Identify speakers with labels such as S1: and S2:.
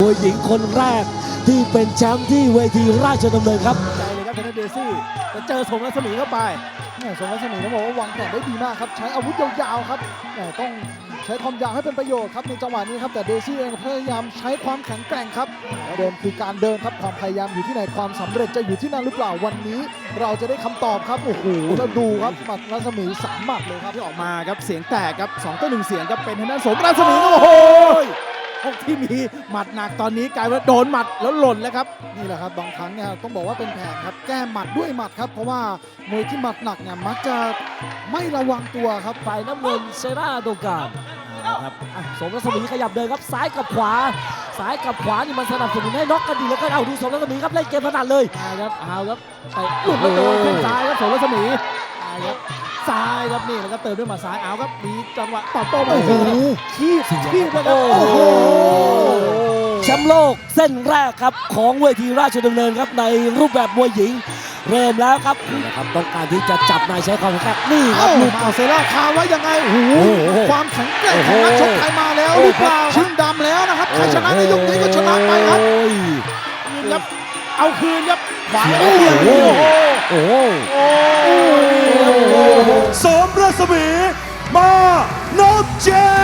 S1: วยหญิงคนแรกที่เป็นแชมป์ที่เวทีราชดำเนินครับ
S2: ใจเลยครับทางด้านเดซี่แต่เจอสมรัศมีเข้าไปสมรัศมีต้องบอกว่าวางแผนได้ดีมากครับใช้อาวุธยาวๆครับต้องใช้ความยาวให้เป็นประโยชน์ครับในจังหวะนี้ครับแต่เดซี่เองพยายามใช้ความแข็งแกร่งครับเดินคือการเดินครับความพยายามอยู่ที่ไหนความสำเร็จจะอยู่ที่นั่นหรือเปล่าวันนี้เราจะได้คำตอบครับโอ้โหแล้วดูครับหมัดรัศมี3 หมัดเลยครับที่ออกมาครับเสียงแตกครับ2-1เสียงครับเป็นทางด้านสมรัศมีโอ้โหพวกที่มีหมัดหนักตอนนี้กลายว่าโดนหมัดแล้วหล่นแล้วครับนี่แหละครับบางครั้งเนี่ยต้องบอกว่าเป็นแผนครับแก้หมัดด้วยหมัดครับเพราะว่ามวยที่หมัดหนักเนี่ยมักจะไม่ระวังตัวครับ
S1: ฝ่ายน้ำเงินเซราโดการนะครับสมรัศมีขยับเดินครับซ้ายกับขวาซ้ายกับขวานี่มันสนับสนุนให้น็อกกันดีแล้วก็เอาดูสมรัศมีครับเล่นเกมถนัดเลย
S2: ครับเอาครับเตะหลุดแล้วโดนแข้งซ้ายครับสมรัศมีครับซ้ายครับนี่แล้วก็เติมด้วยหมัดซ้ายเอาครับมีจังหวะตอบโต้โอ้โหคีบนะครับโอ้โห
S1: แชมป์โลกเส้นแรกครับของเวทีราชดำเนินครับในรูปแบบมวยหญิงเริ่มแล้วครับนะครับต้องการที่จะจับนายใช้ความแข็งนี่ครับลูก
S2: เซล่าคาไว้ยังไงโอ้โหความแข็งแกร่งของนักชกไทยมาแล้วหรือเปล่าชิงดำแล้วนะครับใครชนะในยกนี้ก็ชนะไปครับครับเอาคืนครับขวาโอ้โห
S1: โอ้
S3: สมรัศมีมานพเจ